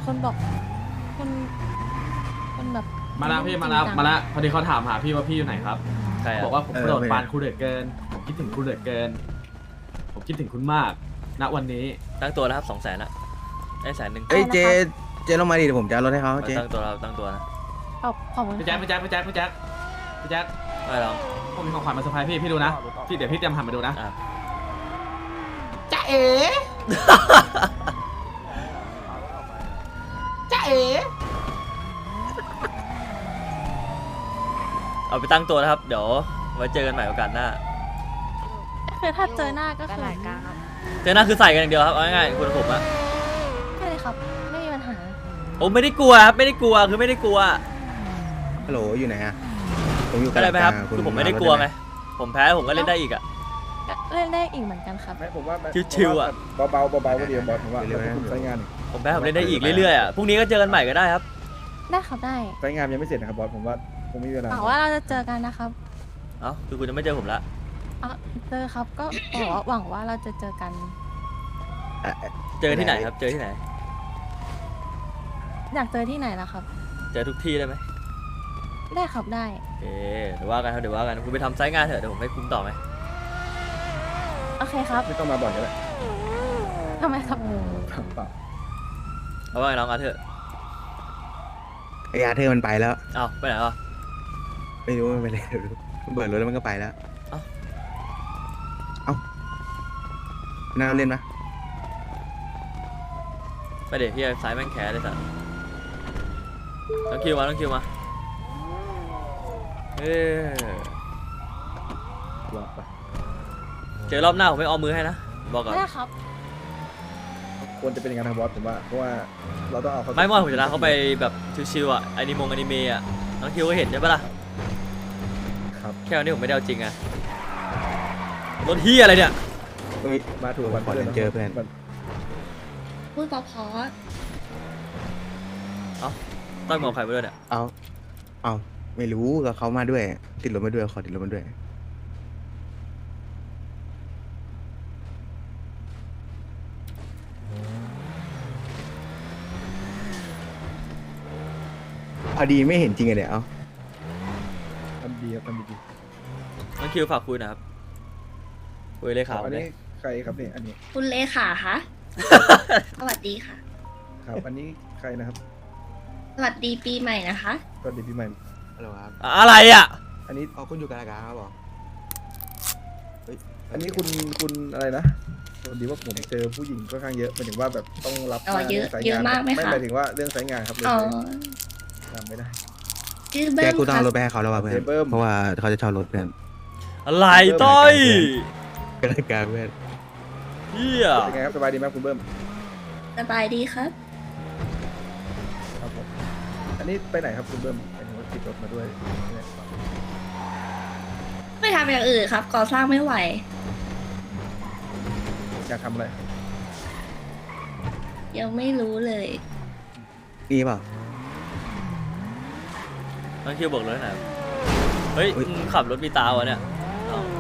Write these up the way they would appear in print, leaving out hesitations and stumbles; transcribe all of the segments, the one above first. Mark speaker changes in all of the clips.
Speaker 1: คนบอกคนแบบ
Speaker 2: มาแล้วพี่มาแล้วพอดีเขาถามหาพี่ว่าพี่อยู่ไหนครับ
Speaker 3: ใคร
Speaker 2: บอกว่าผมโปรดปรานคุณเหลือเกินผมคิดถึงคุณเหลือเกินผมคิดถึงคุณมากณวันนี้
Speaker 3: ตั้งตัวนะครับ200,000ละได้100,000
Speaker 4: เอ้ยเจลงมาดิเดี๋ยวผมจะเอารถให้เขาเจ
Speaker 3: ตั้งตัวเราตั้งตัวนะ
Speaker 1: ขอบคุณ
Speaker 2: พี่แจ๊คพี่แจ๊คพี่แจ๊คพี่แจ๊คพี่แจ๊ค
Speaker 3: ไม่หรอก
Speaker 2: ผมมีของขวัญมาเซอร์ไพรส์พี่ดูนะพี่เดี๋ยวพี่เตรียมหันมาดูนะ
Speaker 3: อ่ะ
Speaker 2: จ๊ะเอ๋จ๊ะเอ๋
Speaker 3: เอาไปตั้งตัวนะครับเดี๋ยวไว้เจอกันใหม่โอกาสหน้า
Speaker 1: คือถ้าเจอหน้าก็คือ
Speaker 3: เจอหน้าคือใส่กันอย่างเดียวครับเอาง่ายๆคุณผมอะ
Speaker 1: ใช่เลยครับไม่มีปัญหา
Speaker 3: โอ้ไม่ได้กลัวครับไม่ได้กลัวคือไม่ได้กลัว
Speaker 4: ฮัลโหลอยู่ไหนอะผมอยู่
Speaker 3: ก็ได้ไหมครับ
Speaker 4: กลาง
Speaker 3: คือผมไม่ได้กลัวไงผมแพ้ผมก็เล่นได้อีกอะ
Speaker 1: เล่นได้อีกเหมือนกันครับ
Speaker 5: ไม่ผมว่า
Speaker 3: ชิวๆอะ
Speaker 5: เบาๆก็ดีบอสผมว่าคุณใช้งาน
Speaker 3: ผมแพ้ผมเล่นได้อีกเรื่อยๆอะพรุ่งนี้ก็เจอกันใหม่ก็ได้ครับ
Speaker 1: ได้ครับได้
Speaker 5: ใช้งานยังไม่เสร็จนะครับบอสผมว่าคงไม่มีเวลา
Speaker 1: หวังว่าเราจะเจอกันนะครับ
Speaker 3: เอ้าคือคุณจะไม่เจอผมละ
Speaker 1: เจอครับก็บอกว่าหวังว่าเราจะเจอกัน
Speaker 3: เจอที่ไหนครับเจอที่ไหน
Speaker 1: อยากเจอที่ไหนล่ะครับ
Speaker 3: เจอทุกที่ได้ไหม
Speaker 1: ได้ครับได้
Speaker 3: เอ๊เดี๋ยวว่ากันครับเดี๋ยวว่ากันคุณไปทำไซต์งานเถอะเดี๋ยวผมให้คุ้มต่อไหม
Speaker 1: โอเคครับ
Speaker 5: ไม่ต้องมาบ่อยก็ได้
Speaker 1: ทำไมครับ
Speaker 5: เปล่า
Speaker 3: เอาว่าไงน้องอาเถอะ
Speaker 4: ไอ้อาเธอร์มันไปแล้ว
Speaker 3: เอาไปไหนวะ
Speaker 4: ไม่รู้มันไปเลยเบิดรถแล้วมันก็ไปแล้ว
Speaker 3: เอ้า
Speaker 4: เอ้าน่าเล่นปะ
Speaker 3: ไปเดี๋ยวพี่สายแม่งแคร์เลยสัตว์ต้องคิวมาเออ
Speaker 5: ว่าไป
Speaker 3: เจอรอบหน้าผมไม่เอามือให้นะบอกก่อน
Speaker 1: ได้ครับ
Speaker 5: ควรจะเป็นอย่างนั้นครับบอสผมว่าเพราะว่าเราต้องเอาเขา
Speaker 3: ไม่เมื่อผมชนะเขาไปแบบชิวๆอ่ะอนิเมะอ่ะน้องคิวก็เห็นใช่ปะล่ะ
Speaker 5: ครับ
Speaker 3: แค่วันนี้ผมไม่ได้เอาจริงไงรถเฮียอะไรเนี่ย
Speaker 4: เฮ้ย
Speaker 5: มาถูกวัน
Speaker 4: ขอเจอเพื่อน
Speaker 1: พูดเพราะ
Speaker 3: ต้องมองใครไปด้วยเนี่ย
Speaker 4: เอาไม่รู้ก็เขามาด้วย ติดรถมาด้วยขอติดรถมาด้วยพอดีไม่เห็นจริงอะเนี่ยเอา
Speaker 5: ทำดีครับทำดี
Speaker 3: น้องคิวฝากคุยหนะครับคุยเลยข่าว
Speaker 5: อัน
Speaker 3: เล
Speaker 5: นี้
Speaker 3: ย
Speaker 5: ใครครับเนี่ยอันนี้
Speaker 6: คุณเลขาคะ สวัสดีค่ะ
Speaker 5: ครับอันนี้ใครนะครับ
Speaker 6: สวัสดีปีใหม่นะคะ
Speaker 5: สวัสดีปีใหม่
Speaker 4: ฮัลโหลครับ
Speaker 3: อะไรอ่ะ
Speaker 5: อันนี้
Speaker 4: เอาคุณอยู่กับรายการครับบอก
Speaker 5: อันนี้คุณอะไรนะสวัสดีว่าผมเจอผู้หญิงค่อนข้างเยอะหมายถึงว่าแบบต้องรับ
Speaker 6: อ๋อเยอะ
Speaker 5: สายงาน
Speaker 6: เยอะมากไหมคะ
Speaker 5: ไม่หมายถึงว่าเรื่องสายงานครับเลย
Speaker 6: อ๋อ
Speaker 5: จำไม่ได้
Speaker 6: ชื่อ
Speaker 4: แก
Speaker 6: เบิ้ม
Speaker 4: กูต้อง
Speaker 6: ค่ะ
Speaker 4: เอารถไปให้เขาแล้วว่ะเพื่อน
Speaker 5: เบิ้ม
Speaker 4: เพราะว่าเขาจะเช่ารถเพื่อน
Speaker 3: อะไรต้อย
Speaker 4: เป็นรายการเพื่อน
Speaker 3: เฮีย
Speaker 5: เป็นไงครับสบายดีไหมคุณเบิ้ม
Speaker 6: สบายดีครับ
Speaker 5: ครับผมอันนี้ไปไหนครับคุณเบิ้มหมายถึงว่าติดรถมาด้วย
Speaker 6: ไม่ทำอย่างอื่นครับ ก่อสร้างไม่ไหว
Speaker 5: อยากทำอะไร
Speaker 6: ยังไม่รู้เลย
Speaker 4: นี่เปล่า
Speaker 3: น้องคิวบอกเลยหน่อยเฮ้ย
Speaker 4: อุ๊ย
Speaker 3: มึงขับรถมีตาวะเนี่ยเอ้า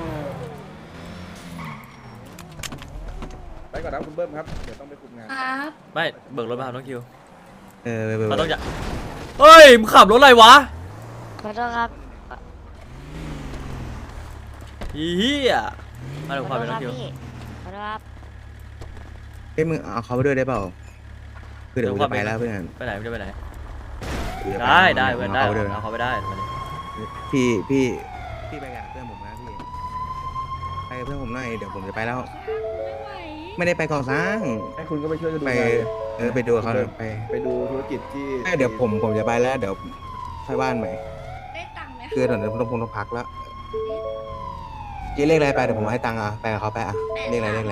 Speaker 5: ไปก่อนนะคุณเบิ้มครับเดี๋ยวต้องไปคุมงาน
Speaker 6: ครับ
Speaker 3: ไม่เบิกรถมาครับน้องคิว
Speaker 4: ไป
Speaker 3: เขาต้องจะเฮ้ยมึงขับรถอะไรวะ
Speaker 7: ขอโทษครับ
Speaker 3: เฮียมาดูความเป็นน้องคิว
Speaker 7: พี่ขอโทษครับ
Speaker 4: เอ้ยมึงเอาเขาไปด้วยได้เปล่าคือเดี๋ยวกูจะไปแล้วเพื่อน
Speaker 3: ไปไหนมึงจะไปไหน
Speaker 4: กูจะป
Speaker 3: ได้เพื่อนได้
Speaker 4: เอาเขาไปด้วย
Speaker 3: เอาเขาไปได้มาดิ
Speaker 4: พี่ไปกับเพื่อนผมนะพี่ไปกับเพื่อนผมหน่อยเดี๋ยวผมจะไปแล้ว ไม่ได้ไปก่อสร้าง
Speaker 5: ให้คุณก็ไปช่วยกันดู
Speaker 4: ไป
Speaker 5: งานเลย
Speaker 4: ไปดูเขาไป
Speaker 5: ไปดูธุรกิจที่
Speaker 4: เดี๋ยวผมจะไปแล้วเดี๋ยวค่อยบ้านใหม่
Speaker 6: ได้ตังค์ไหม
Speaker 4: คือตอนนี้ต้องพักแล้วจีเลขอะไรไปเดี๋ยวผมให้ตังค์อ่ะไปกับเขาไปอ่ะเลขอะไร
Speaker 6: 8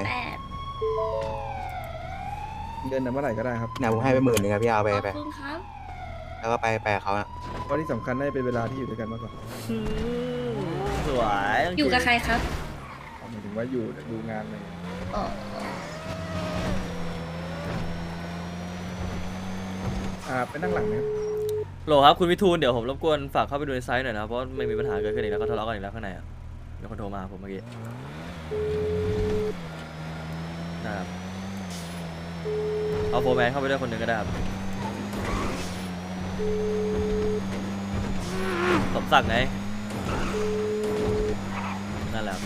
Speaker 5: เงินน่ะเมื่อไหร่ก็ได้ครับ
Speaker 4: เนี่ยผมให้ไป10,000ครับพี่เอาไป
Speaker 6: ขอบคุณครับ
Speaker 4: แล้วก็ไปกับเขาอ่ะ
Speaker 5: เพราะที่สำคัญได้เป็นเวลาที่อยู่ด้วยกันมากกว่า
Speaker 3: สวยน้งคิว
Speaker 6: อยู่กับใครครับ
Speaker 5: หมายถึงว่าอยู่ดูงานอะไรอย่างเงี้ย
Speaker 6: อ๋อ
Speaker 5: ไปนั่งหลังนะครับ
Speaker 3: โหลครับคุณวิทูลเดี๋ยวผมรบกวนฝากเข้าไปดูในไซต์หน่อยนะเพราะไม่มีปัญหาเกิดขึ้นอีกแล้วก็ทะเลาะกันอีกแล้วข้างในอ่ะมีคนโทรมาหาผมเมื่อกี้นะครับเอาโฟร์แมนเข้าไปด้วยคนหนึ่งก็ได้ครับสมศักดิ์ไงนั่นแหละ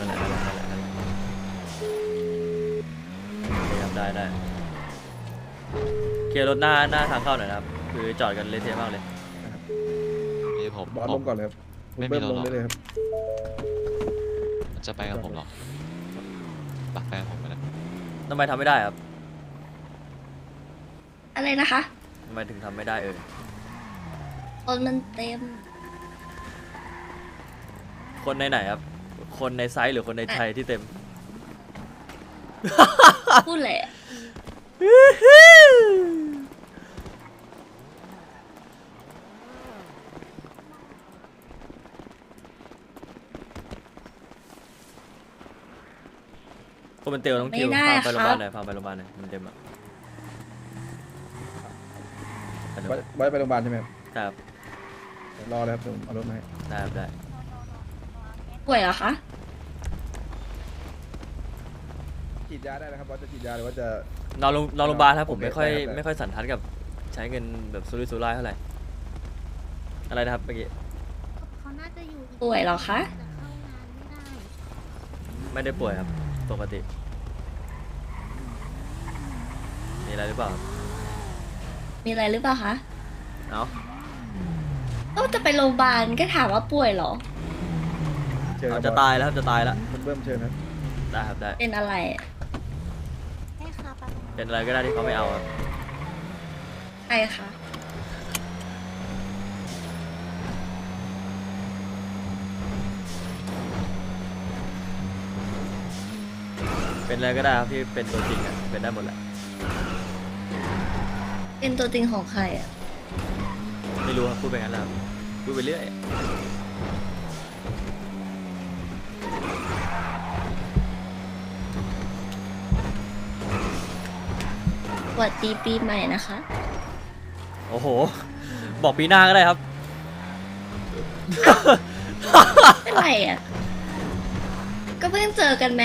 Speaker 3: ได้เคลียร์รถหน้าทางเข้าหน่อยนะครับคือจอดกันเละเทะมากเลย
Speaker 8: นี่ผม
Speaker 5: บอสลงก่อนเลยครับคุณ
Speaker 8: ไม่มี
Speaker 5: เบิ้ม
Speaker 8: รถ
Speaker 5: ลง
Speaker 8: หรอก
Speaker 5: ได้เลยครับ
Speaker 8: จะไปกับผมหรอปักแฟนผมไปแล้ว
Speaker 3: ทำไมทำไม่ได้ครับ
Speaker 6: อะไรนะคะ
Speaker 3: ทำไมถึงทำไม่ได้
Speaker 6: คนมันเต็ม
Speaker 3: คนในไหนครับ คนในไซส์หรือคนในไทยที่เต็ม
Speaker 6: พูดแหละ
Speaker 3: คนเป็นเตียวน้องคิว
Speaker 6: ไม่ได้
Speaker 3: พาไปโรงพยาบาลหน่อย
Speaker 6: ครับ
Speaker 3: พาไปโรงพยาบาลหน่อยมันเต็มอ่ะ
Speaker 5: ไว้ไปโรงพยาบาลใช่ไหมครับ
Speaker 3: ครับ
Speaker 5: เดี๋ยวรอเลยครับผมเอารถมาให้
Speaker 3: ได้ครับได้
Speaker 6: ป่วยเหรอคะ
Speaker 5: ฉีดยาได้นะครับบอสจะฉีดยาหรือว่าจะ
Speaker 3: นอนโรงพยาบาลครับผม
Speaker 5: โอเค
Speaker 3: ไม่ค่อย
Speaker 5: ได้ครับ
Speaker 3: ไม่ค่อยสันทัดกับใช้เงินแบบสุรุ่ยสุร่ายเท่าไหร่อะไรนะครับเมื่อกี้
Speaker 1: เขาน่าจะอยู่อีก
Speaker 6: ป่วยเหรอคะ
Speaker 1: แต่เข้างานไม่ได้
Speaker 3: ไม่ได้ป่วยครับปกติมีอะไรหรือเปล่า
Speaker 6: มีอะไรหรือเปล่าคะ
Speaker 3: เอ้า
Speaker 6: ก็จะไปโรงพยาบาลก็ถามว่าป่วยเหรอ
Speaker 5: เชิญค
Speaker 3: เอา
Speaker 5: รับ
Speaker 3: จะ
Speaker 5: บอส
Speaker 3: ตายแล้วครับจะตายแล้ว
Speaker 5: คุณเบิ้มเชิญครับ
Speaker 3: ได้ครับได้
Speaker 6: เป็นอะไร
Speaker 1: ให้ค่ะปะ
Speaker 3: เป็นอะไรก็ได้ที่เขาไม่เอาครับ
Speaker 6: ใครคะ
Speaker 3: เป็นอะไรก็ได้ครับที่เป็นตัวจริงอ่ะเป็นได้หมดแหละ
Speaker 6: เป็นตัวจริงของใครอ่ะ
Speaker 3: ไม่รู้ครับพูดไปงั้นแหละครับพูดไปเรื่อย
Speaker 6: สวัสดีปีใหม่นะคะ
Speaker 3: โอ้โห บอกปีหน้าก็ได้ครับ
Speaker 6: เป็นไรอ่ะ ก็เพิ่งเจอกันไหม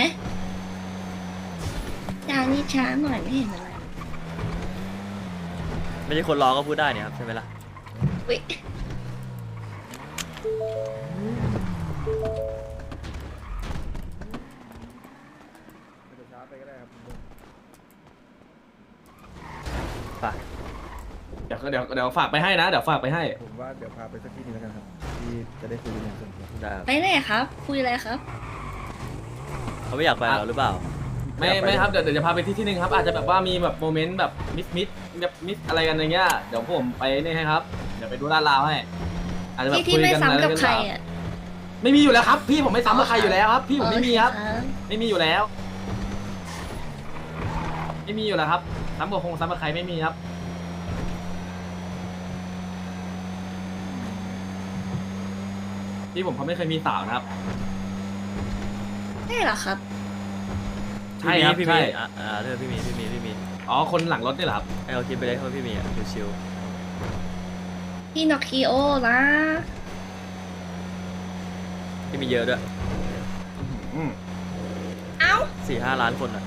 Speaker 6: จานี่ช้าหน่อยไม่เห็นอะไร
Speaker 3: ไม่ใช่คนรอก็พูดได้เนี่ยครับใช่ไหมล่ะ
Speaker 6: วิ
Speaker 5: ไม่ต้องช้าไปก็ได้ครับคุณเบิ้ม
Speaker 3: ไป
Speaker 2: เดี๋ยวฝากไปให้นะ เดี๋ยวฝากไปให้
Speaker 5: ผมว่าเดี๋ยวพาไปสักที่หนึงแล้วกันครับที่จะได้คุยกันอย่างส่วนตัว
Speaker 3: ได้ครับ
Speaker 6: ไปไหนครับ คุยอะไรครับ
Speaker 3: เขาไม่อยากไปกับเราหรือเปล่า
Speaker 2: ไม่ครับเดี๋ยวจะพาไปที่หนึ่งครับ อาจจะแบบว่ามีแบบโมเมนต์แบบแบบมิสอะไรกันอย่างเงี้ยเดี๋ยวผมไปนี่ให้ครับเดี๋ยวไปดูลาดราวให้อาจจะแบบ
Speaker 6: ที่
Speaker 2: คุย
Speaker 6: ไม่
Speaker 2: กัน
Speaker 6: ซ้ำกับ
Speaker 2: เรื่อง
Speaker 6: ใคร
Speaker 2: ราว
Speaker 6: อ่ะ
Speaker 2: ไม่มีอยู่แล้วครับ พี่ผมไม่ซ้ำกับใครอยู่แล้วครับ พี่ผมไม่มีครับ
Speaker 6: โอเครับ
Speaker 2: ไม่มีอยู่แล้ว ไม่มีอยู่แล้วครับซ้ำกับคงซ้ำกับใครไม่มีครับพี่ผมเขาไม่เคยมีสาวนะครับ
Speaker 6: ใช่เหรอครับ
Speaker 2: ใช่ครับ
Speaker 3: พี่
Speaker 2: ใช่
Speaker 3: มีเรื่องพี่มี
Speaker 2: อ๋อคนหลังรถนี่เหรอครับ
Speaker 3: ให้เขาคิดไปเลยเขาพี่มีอ่ะชิว
Speaker 6: พี่นอคิโอนะ
Speaker 3: ๆพี่มีเยอะด้วย
Speaker 2: อืม
Speaker 6: เอ้า
Speaker 3: 4-5 ล้านคนอ่ะ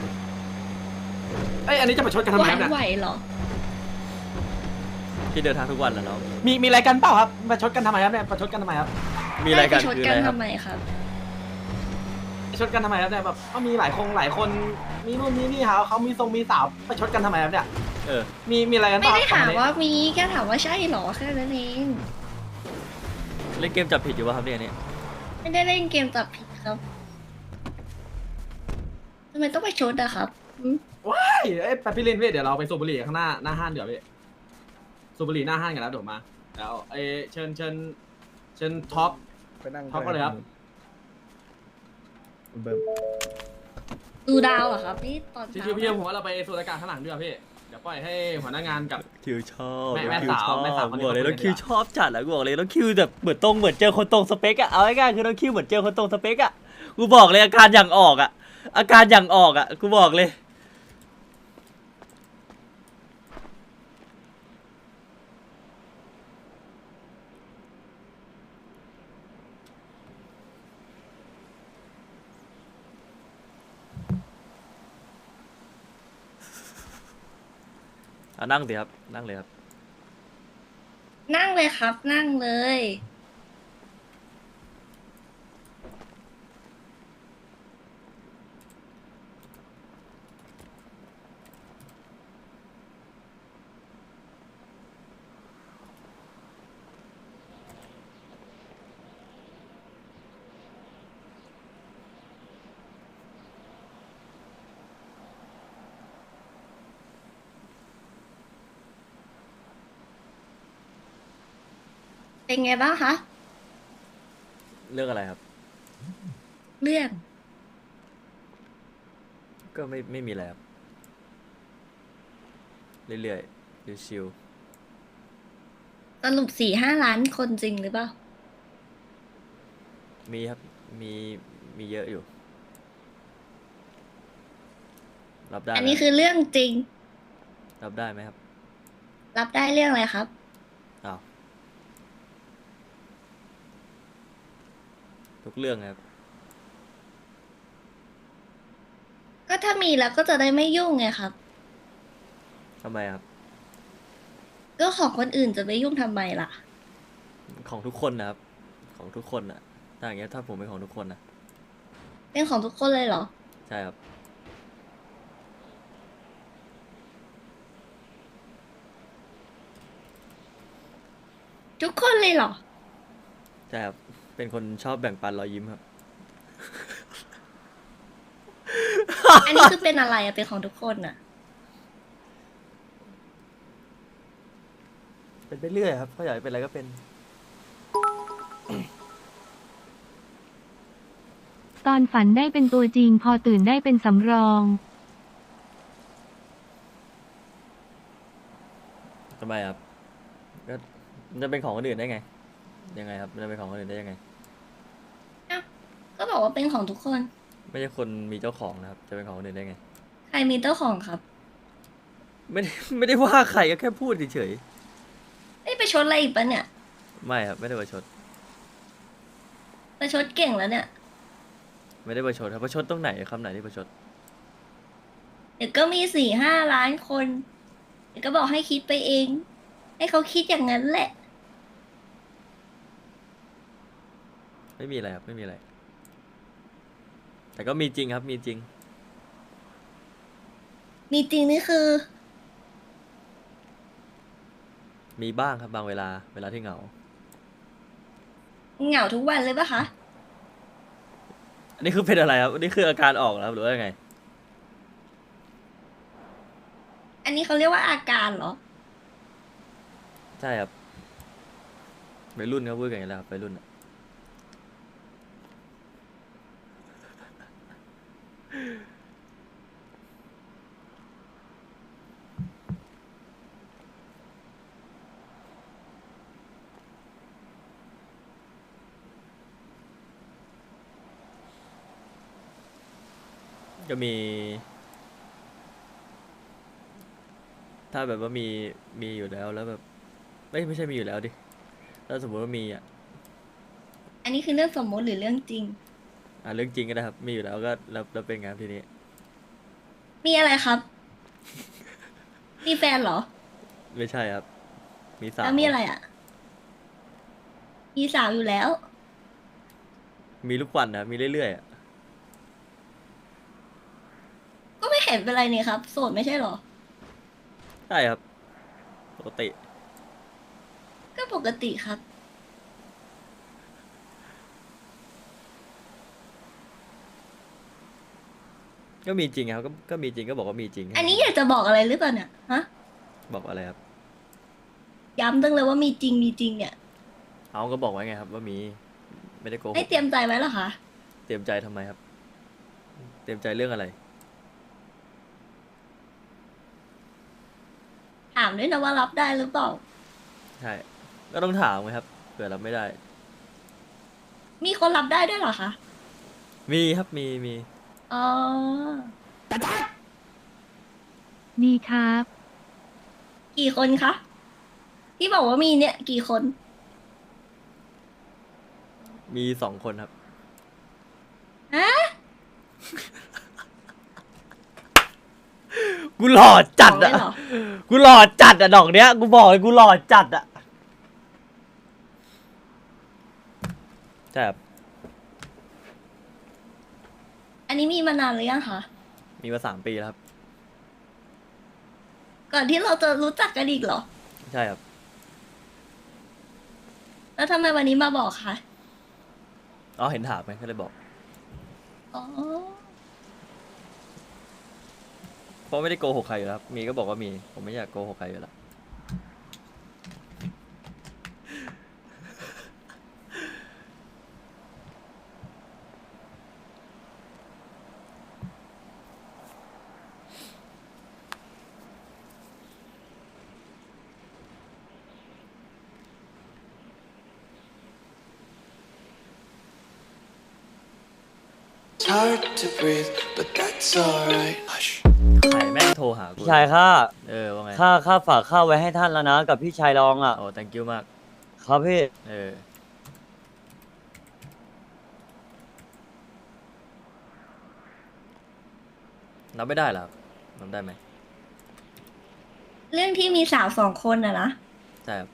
Speaker 2: เอ้ยอันนี้จะประชดกันทำ
Speaker 6: ไห
Speaker 2: ไม
Speaker 6: ว
Speaker 2: ครับเนี่ย
Speaker 6: ไหวเหรอ
Speaker 3: พี่เดินทางทุกวันแล้วเนาะ
Speaker 2: มีอะไรกันเปล่าครับประชดกันทำไมครับเนี่ยประชดกันทำไมครับ
Speaker 3: มีอะไรกัน
Speaker 6: ให้ปชด
Speaker 3: คือ
Speaker 6: กั
Speaker 3: อะไร
Speaker 6: น
Speaker 3: ครับ
Speaker 6: ทำไมครับ
Speaker 2: ประชดกันทำไมครับเนี่ยแบบก็มีหลายคนมีนู่นมีนี่เขามีทรงมีสาวประชดกันทำไมครับเนี่ย
Speaker 3: เออ
Speaker 2: มีอะไรกันเป
Speaker 6: ไม่
Speaker 2: ล่า
Speaker 6: ได้ถามว่ามีแค่ถามว่าใช่เหรอแค่นั้นเอง
Speaker 3: เล่นเกมจับผิดอยู่ป่ะครับเนี่ยนี่
Speaker 6: ไม่ได้เล่นเกมจับผิดครับทำไมต้องไปชดอะครับหืม
Speaker 2: เอ้ยไปพี่เล่นเว้ยเดี๋ยวเราไปสูบบุหรี่ข้างหน้าห้างเดี๋ยวพี่สูบบุหรี่หน้าห้างกันแล้วเดี๋ยวมาแล้วเชิญท็อป
Speaker 5: ไปนั่ง
Speaker 2: ท็อปก็เลยครับ
Speaker 5: คุณเบิ้ม
Speaker 6: ดูดาวเหรอครับนี่ตอน
Speaker 2: ชิ
Speaker 6: เช้าว
Speaker 2: ๆพี่ผมว่าเราไปสูดอากาศข้างหลังดีกว่าพี่เดี๋ยวปล่อยให้หัวหน้างานกับ
Speaker 3: คิวชอบ
Speaker 2: แม่
Speaker 3: คิวชอบ
Speaker 2: แม่สาวคนนี้
Speaker 3: บอกเลย
Speaker 2: เขา
Speaker 3: แล้วคิว
Speaker 2: เป็นไง
Speaker 3: ชอบจัดแหละกูบอกเลยแล้วคิวแบบเหมือนเจอคนตรงสเปกอะเอาง่ายๆคือน้องคิวเหมือนเจอคนตรงสเปกอะกูบอกเลยอาการอย่างออกอะกูบอกเลยนั่งสิครับนั่งเลยครับ
Speaker 6: นั่งเลยครับ นั่งเลย เป็นไงบ้างคะ
Speaker 3: เรื่องอะไรครับ
Speaker 6: เรื่อง
Speaker 3: ก็ไม่มีอะไรครับเรื่อยๆชิว
Speaker 6: สรุป4-5 ล้านคนจริงหรือเปล่า
Speaker 3: ๆมีครับมีเยอะอยู่ รับได้
Speaker 6: อัน
Speaker 3: ไหม
Speaker 6: นี้คือเรื่องจริง
Speaker 3: รับได้ไหมครับ
Speaker 6: รับได้เรื่องอะไรครับ
Speaker 3: อ้าวทุกเรื่องครับ
Speaker 6: ก็ถ้ามีแล้วก็จะได้ไม่ยุ่งไงครับ
Speaker 3: ทำไมครับ
Speaker 6: ก็ของคนอื่นจะไปยุ่งทำไมล่ะ
Speaker 3: ของทุกคนนะครับ ของทุกคนอะถ้าอย่างเงี้ยถ้าผมเป็นของทุกคนนะ
Speaker 6: เป็นของทุกคนเลยเหรอ
Speaker 3: ใช่ครับ
Speaker 6: ทุกคนเลยเหรอ
Speaker 3: ใช่ครับ เป็นคนชอบแบ่งปันรอยยิ้มครับ
Speaker 6: อันนี้คือเป็นอะไรอะเป็นของทุกคนอะ
Speaker 3: เป็นไปเรื่อยครับเขาอยากให้เป็นอะไรก็เป็น
Speaker 9: ตอนฝันได้เป็นตัวจริง พอตื่นได้เป็นสำรอง
Speaker 3: ทำไมครับ ก็มันจะเป็นของคนอื่นได้ไง ยังไงครับ มันจะเป็นของคนอื่นได้ยังไง
Speaker 6: ก็บอกว่าเป็นของทุกคน
Speaker 3: ไม่ใช่คนมีเจ้าของนะครับ จะเป็นของคนอื่นได้ไง
Speaker 6: ใครมีเจ้าของครับ
Speaker 3: ไม่ได้ว่าใครก็แค่พูดเฉย
Speaker 6: ไม่ไปชดอะไรอีกปะเนี่ย
Speaker 3: ๆไม่ครับ ไม่ได้ประชด
Speaker 6: ไปชดเก่งแล้วเนี่ย
Speaker 3: ไม่ได้ประชดครับประชดตรงไหนคำไหนที่ประชด
Speaker 6: เดี๋ยวก็มี4-5 ล้านคน เดี๋ยวก็บอกให้คิดไปเอง ให้เขาคิดอย่างนั้นแหละ
Speaker 3: ไม่มีอะไรครับ ไม่มีอะไร แต่ก็มีจริงครับ มีจริง
Speaker 6: มีจริงนี่คือ
Speaker 3: มีบ้างครับบางเวลาที่เหงา
Speaker 6: เหงาทุกวันเลยปะคะ
Speaker 3: อันนี้คือเป็นอะไรครับ อันนี้คืออาการออกแล้วหรือว่ายังไง
Speaker 6: อันนี้เขาเรียกว่าอาการเหรอ
Speaker 3: ใช่ครับวัยรุ่นเขาพูดกันอย่างนี้แหละครับวัยรุ่นอะก็มี ถ้าแบบว่ามีอยู่แล้วแบบไม่ใช่มีอยู่แล้วดิถ้าสมมติว่ามีอ่ะ
Speaker 6: อันนี้คือเรื่องสมมติหรือเรื่องจริง
Speaker 3: เรื่องจริงก็ได้ครับ มีอยู่แล้วก็แล้วเป็นไงครับทีนี้
Speaker 6: มีอะไรครับ มีแฟนเหรอ
Speaker 3: ไม่ใช่ครับ มีสาว
Speaker 6: แล้วมีอะไรอ่ะ มีสาวอยู่แล้ว
Speaker 3: มีลูกวันนะครับมีเรื่อยๆอะ
Speaker 6: ก็ไม่เห็นเป็นไรนี่ครับ โสดไม่ใช่เหรอ
Speaker 3: ใช่ครับปกติ
Speaker 6: ก็ปกติครับ
Speaker 3: ก็มีจริงครับก็มีจริงก็บอกว่ามีจริง
Speaker 6: อันนี้อยากจะบอกอะไรหรือเปล่าเนี่ย ฮะ
Speaker 3: บอกอะไรครับ
Speaker 6: ย้ำตั้งเลยว่ามีจริงมีจริงเนี่ย
Speaker 3: เอาก็บอกไว้ไงครับ ว่ามีไม่ได้โกหก
Speaker 6: ให้เตรียมใจไว้เหรอคะ
Speaker 3: เตรียมใจทำไมครับ เตรียมใจเรื่องอะไร
Speaker 6: ถามด้วยนะว่ารับได้หรือเปล่า
Speaker 3: ใช่ ก็ต้องถามไงครับเผื่อรับไม่ได้
Speaker 6: มีคนรับได้ด้วยเหรอคะ
Speaker 3: มีครับมี
Speaker 6: อ๋อ
Speaker 9: มีครับ
Speaker 6: กี่คนคะ ที่บอกว่ามีเนี่ย กี่คน
Speaker 3: มี2 คนครับ
Speaker 6: ฮะ
Speaker 3: กูหล่อจัด
Speaker 6: สองเล
Speaker 3: อ่ะ
Speaker 6: ยเหรอ
Speaker 3: กูหล่อจัดอ่ะดอกเนี้ยกูบอกเลยกูหล่อจัดอ่ะใช่ครับ
Speaker 6: อันนี้มีมานานหรือยังคะ
Speaker 3: มีมา3 ปีแล้วครับ
Speaker 6: ก่อนที่เราจะรู้จักกันอีกเหรอ
Speaker 3: ใช่ครับ
Speaker 6: แล้วทำไมวันนี้มาบอกคะ
Speaker 3: อ๋อเห็นถามไหมก็เลยบอก
Speaker 6: อ๋อ
Speaker 3: เพราะไม่ได้โกหกใครอยู่แล้วครับมีก็บอกว่ามีผมไม่อยากโกหกใครอยู่แล้ว
Speaker 10: Hard to breathe, but that's alright. Hush.
Speaker 3: ไข่แม่งโทรหากู
Speaker 11: พี่ชายข้า
Speaker 3: ว่าไง
Speaker 11: ข้าฝากข้าวไว้ให้ท่านแล้วนะกับพี่ชายรองอ่ะ
Speaker 3: โอ้ thank you มาก
Speaker 11: ครับพี่
Speaker 3: นับไม่ได้เหรอครับนับได้ไหม
Speaker 6: เรื่องที่มีสาว2 คนอะนะ
Speaker 3: ใช่ครับ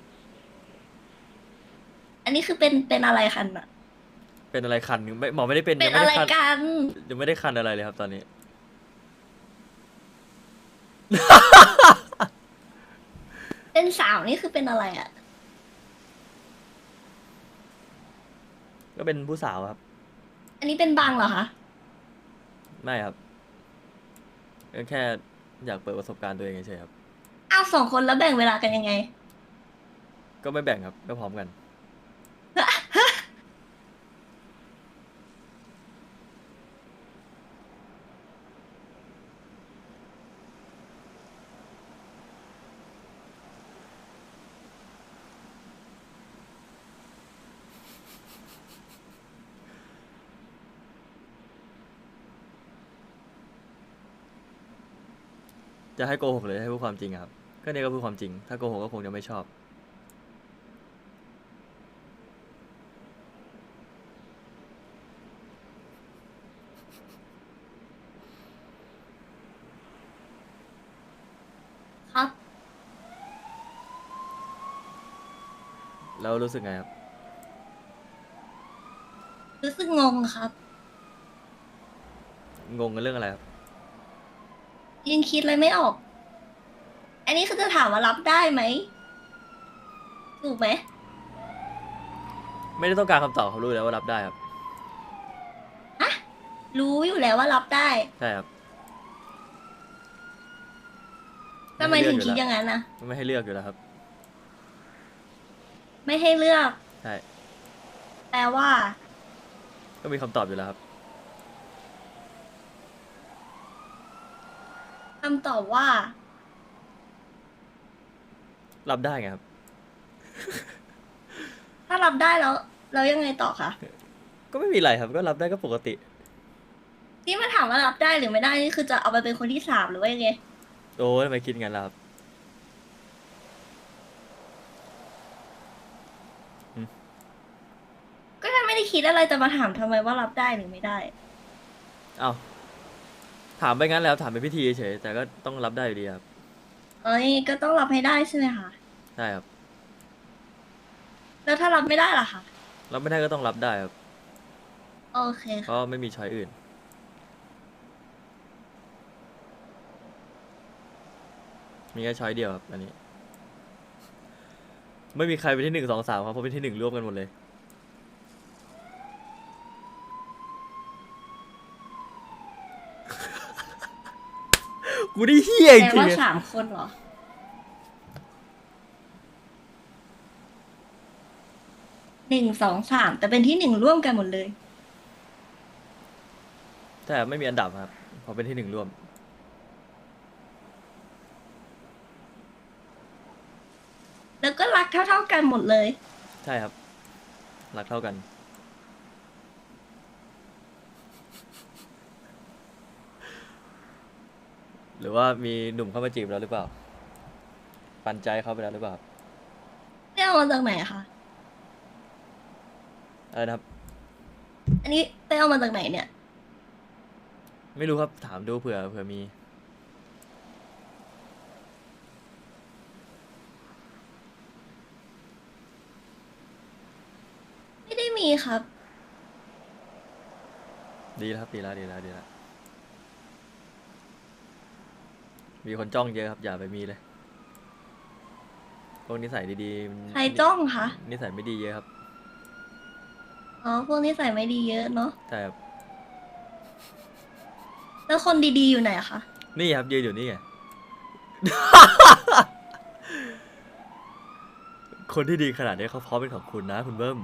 Speaker 6: อันนี้คือเป็นอะไรกันอะ
Speaker 3: เป็นอะไรคันไม่หมอไม่ได้เป็น
Speaker 6: เป็น
Speaker 3: ยังไม่
Speaker 6: อะไร
Speaker 3: ได้คัน
Speaker 6: กัน
Speaker 3: ยังไม่ได้คันอะไรเลยครับตอนนี้
Speaker 6: เป็นสาวนี่คือเป็นอะไรอะ
Speaker 3: ก็เป็นผู้สาวครับ
Speaker 6: อันนี้เป็นบังเหรอคะ
Speaker 3: ไม่ครับก็แค่อยากเปิดประสบการณ์ตัวเองเฉยๆครับ
Speaker 6: อ้าว2 คนแล้วแบ่งเวลากันยังไง
Speaker 3: ก็ไม่แบ่งครับก็พร้อมกัน จะให้โกหกหรือให้พูดความจริงอะครับก็เนี่ยก็พูดความจริง ถ้าโกหกก็คงจะไม่ชอบ
Speaker 6: ครับ
Speaker 3: แล้วรู้สึกไงครับ
Speaker 6: รู้สึกงงครับ
Speaker 3: งงกันเรื่องอะไรครับ
Speaker 6: ยังคิดอะไรไม่ออก อันนี้คือจะถามว่ารับได้ไหม ถูกไหม
Speaker 3: ไม่ได้ต้องการคำตอบเขารู้แล้วว่ารับได้ครับ
Speaker 6: รู้อยู่แล้วว่ารับได้
Speaker 3: ใช่ครับ
Speaker 6: ทำไมถึงคิดอย่างนั้นนะ
Speaker 3: ไม่ให้เลือกอยู่แล้วครับ
Speaker 6: ไม่ให้เลือก
Speaker 3: ใช่
Speaker 6: แปลว่า
Speaker 3: ก็มีคำตอบอยู่แล้วครับ
Speaker 6: คำตอบว่า
Speaker 3: รับได้ไงครับ
Speaker 6: ถ้ารับได้แล้วยังไงต่อคะ
Speaker 3: ก็ไม่มีอะไรครับ ก็รับได้ก็ปกติ
Speaker 6: ที่มาถามว่ารับได้หรือไม่ได้นี่คือจะเอาไปเป็นคนที่3หรือว่ายังไง
Speaker 3: โอ้ยทำไมคิดงั้นล่ะครับ
Speaker 6: ก็ถ้าไม่ได้คิดอะไรจะมาถามทำไมว่ารับได้หรือไม่ได้
Speaker 3: เอาถามไปงั้นแล้วถามเป็นพิธีเฉยๆแต่ก็ต้องรับได้อยู่ดีครับ
Speaker 6: เอ้ยก็ต้องรับให้ได้ใช่ไหมคะ
Speaker 3: ใช่ครับ
Speaker 6: แล้วถ้ารับไม่ได้ล่ะคะ
Speaker 3: รับไม่ได้ก็ต้องรับได้ครับ
Speaker 6: โอเค
Speaker 3: เพ
Speaker 6: ค่ะ
Speaker 3: ราะไม่มีช้อยอื่น มีแค่ช้อยเดียวครับอันนี้ ไม่มีใครเป็นที่1 2 3ครับเพราะเป็นที่1ร่วมกันหมดเลย กูได้เฮี้ยจ
Speaker 6: แปล
Speaker 3: ริง
Speaker 6: ว่า
Speaker 3: ๆ
Speaker 6: 3 คนเหรอ 1 2 3แต่เป็นที่1ร่วมกันหมดเลย
Speaker 3: แต่ไม่มีอันดับครับเพราะเป็นที่1ร่วม
Speaker 6: แล้วก็รักเท่าๆกันหมดเลย
Speaker 3: ใช่ครับ รักเท่ากัน หรือว่ามีหนุ่มเข้ามาจีบเราหรือเปล่า ปันใจเขาไปแล้วหรือเปล่า
Speaker 6: เรื่องมาจากไหนคะ
Speaker 3: อะไรนะครับ
Speaker 6: อันนี้ไปเอามาจากไหนเนี่ย
Speaker 3: ไม่รู้ครับถามดูเผื่อมี
Speaker 6: ไม่ได้มีมีครับ
Speaker 3: ดีแล้วครับดีแล้วดีแล้วดีแล้วมีคนจ้องเยอะครับอย่าไปมีเลยพวกนิสัยดีๆมัน
Speaker 6: ใครจ้องคะ
Speaker 3: นิสัยไม่ดีเยอะครับ
Speaker 6: อ๋อ พวกนี้ใส่ไม่ดีเยอะเนาะ
Speaker 3: ใช่ครับ
Speaker 6: แล้วคนดีๆอยู่ไหนคะ
Speaker 3: นี่ครับยืนอยู่นี่ไง คนที่ดีขนาดนี้เขาพร้อมเป็นของคุณนะคุณเบิ้ม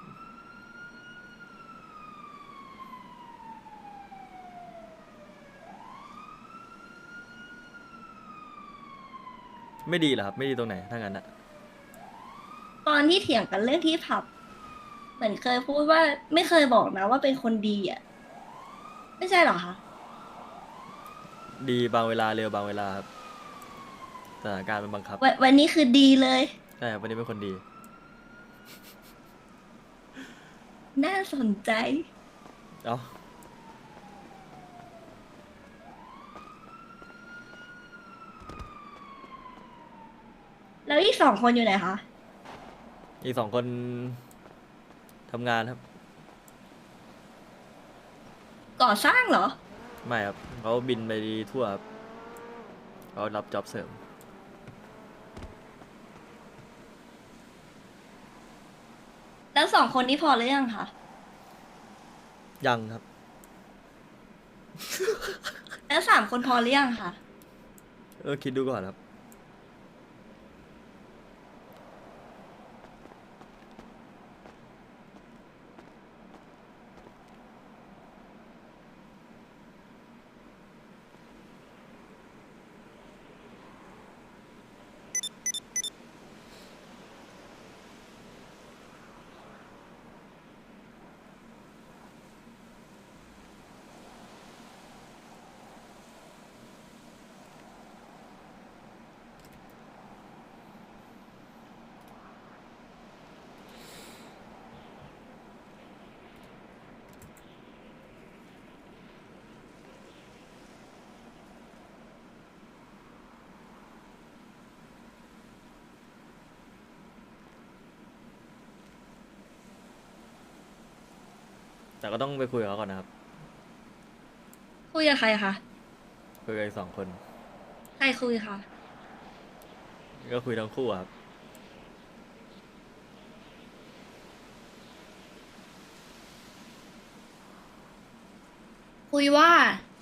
Speaker 3: ไม่ดีเหรอครับไม่ดีตรงไหนถ้างั้นอะ
Speaker 6: ตอนที่เถียงกันเรื่องที่ผับ เหมือนเคยพูดว่าไม่เคยบอกนะว่าเป็นคนดีอ่ะ ไม่ใช่เหรอคะ
Speaker 3: ดีบางเวลาเร็วบางเวลาครับสถานการณ์มันบังคับ
Speaker 6: วันนี้คือดีเลย
Speaker 3: ใช่ครับวันนี้เป็นคนดี
Speaker 6: น่าสนใจ
Speaker 3: เอ้า
Speaker 6: แล้วอีกสองคนอยู่ไหนคะ
Speaker 3: อีกสองคนทำงานครับ
Speaker 6: ก่อสร้างเหรอ
Speaker 3: ไม่ครับเขาบินไปทั่วครับเขารับจ็อบเสริม
Speaker 6: แล้วสองคนนี้พอหรือยังคะ
Speaker 3: ยังครับ
Speaker 6: แล้วสามคนพอหรือยังคะ
Speaker 3: คิดดูก่อนครับ แต่ก็ต้องไปคุยกับเขาก่อนนะครับ
Speaker 6: คุยกับใครคะ
Speaker 3: คุยกับอีกสองคน
Speaker 6: ใครคุยคะ
Speaker 3: ก็คุยทั้งคู่อะครับ
Speaker 6: คุยว่า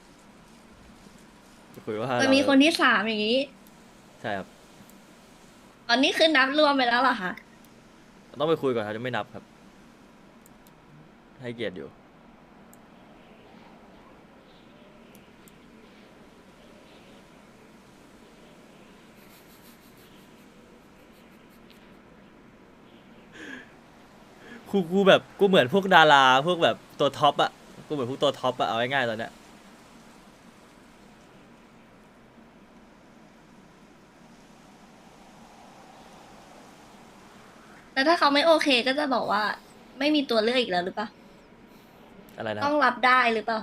Speaker 3: คุยว่า
Speaker 6: จะมีคนที่สามอย่างนี้
Speaker 3: ใช่ครับ
Speaker 6: ตอนนี้คือนับรวมไปแล้วเหรอคะ
Speaker 3: ต้องไปคุยก่อนครับจะไม่นับครับ ให้เกียรติอยู่ กูแบบกูเหมือนพวกดาราพวกแบบตัวท็อปอะกูเหมือนพวกตัวท็อปอะเอาง่ายๆตอนเนี้ย
Speaker 6: แล้วถ้าเขาไม่โอเคก็จะบอกว่า ไม่มีตัวเลือกอีกแล้วหรือเปล่า
Speaker 3: อะไรนะค
Speaker 6: ต้
Speaker 3: รั
Speaker 6: อบ งรับได้หรือเปล่า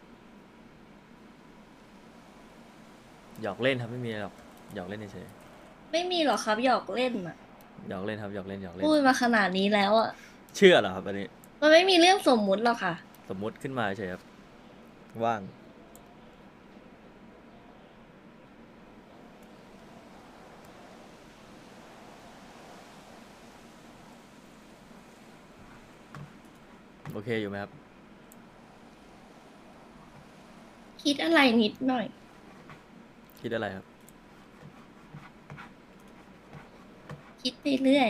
Speaker 3: หยอกเล่นครับไม่มีอะไรหรอกหยอกเล่นเฉย
Speaker 6: ไม่มีหรอกครับหยอกเล่นอ่ะ
Speaker 3: ๆหยอกเล่นครับหยอกเล่นหยอกเล่น
Speaker 6: พูดมาขนาดนี้แล้วอ่ะ
Speaker 3: เชื่อเหรอครับอันนี้
Speaker 6: มันไม่มีเรื่องสมมุติหรอกค่ะ
Speaker 3: สมมุติขึ้นมาเฉยครับว่าง โอเคอยู่ไหมครับ
Speaker 6: คิดอะไรนิดหน่อย
Speaker 3: คิดอะไรครับ
Speaker 6: คิดไปเรื่อย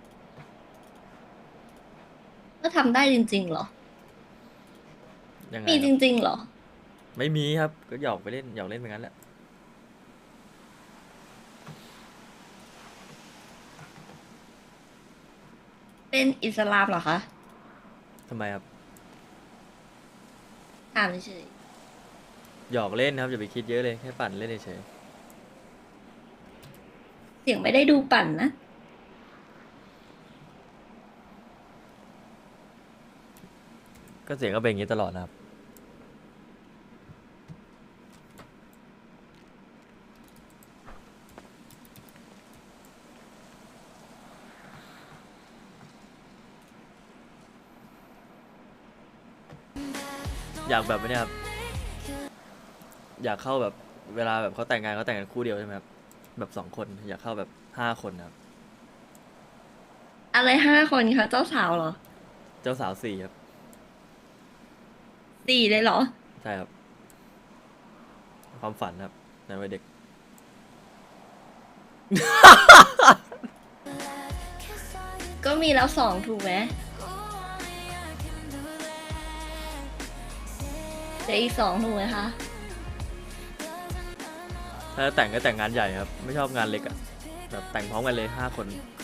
Speaker 6: ก็ทำได้จริงๆเหรอ
Speaker 3: ยังไง
Speaker 6: มี
Speaker 3: ค
Speaker 6: จ
Speaker 3: รับ
Speaker 6: ริงๆเหรอ
Speaker 3: ไม่มีครับก็หยอกไปเล่นหยอกเล่นไปงั้นแหละ
Speaker 6: เป็นอิสลามเหรอคะ
Speaker 3: ทำไมครับ
Speaker 6: ถามเฉย
Speaker 3: หยอกเล่นครับอย่าไปคิดเยอะเลยแค่ปั่นเล่นเฉย
Speaker 6: ๆเสียงไม่ได้ดูปั่นนะ
Speaker 3: ก็เสียงก็เป็นอย่างนี้ตลอดนะครับอยากแบบนี้ครับอยากเข้าแบบเวลาแบบเขาแต่งงานคู่เดียวใช่ไหมครับแบบ2 คนอยากเข้าแบบ5 คนครับ
Speaker 6: อะไร5 คนคะเจ้าสาวเหรอ
Speaker 3: เจ้าสาว4ครับ
Speaker 6: 4เลยเหรอ
Speaker 3: ใช่ครับความฝันครับในวัยเด็ก
Speaker 6: ก็มีแล้ว2ถูกไหมเดี๋ยวอีก2ถูกไหมคะ
Speaker 3: ถ้าจะแต่งก็แต่งงานใหญ่ครับ ไม่ชอบงานเล็กอะแบบแต่งพร้อมกันเลย5 คน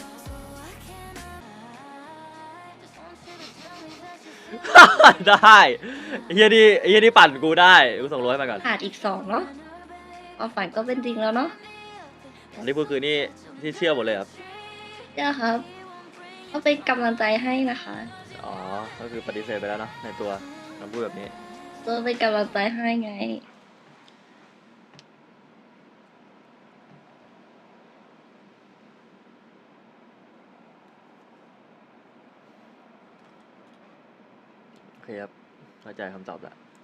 Speaker 3: ได้เฮียนี่ปั่นกูได้กูส่งร้อยมาก่อน
Speaker 6: ขาดอีก2เนาะความฝันก็เป็นจริงแล้วเนาะ
Speaker 3: อันนี้พูดคือนี่ที่เชื่อหมดเลยครับ
Speaker 6: เจ้าครับก็เป็นกำลังใจให้นะคะ
Speaker 3: อ๋อ ก็คือปฏิเสธไปแล้วเนอะในตัวคำพูดแบบนี้
Speaker 6: ตัวเป็นกำลังใจให้ไง
Speaker 3: โอเคครับเข้าใจคำตอบละ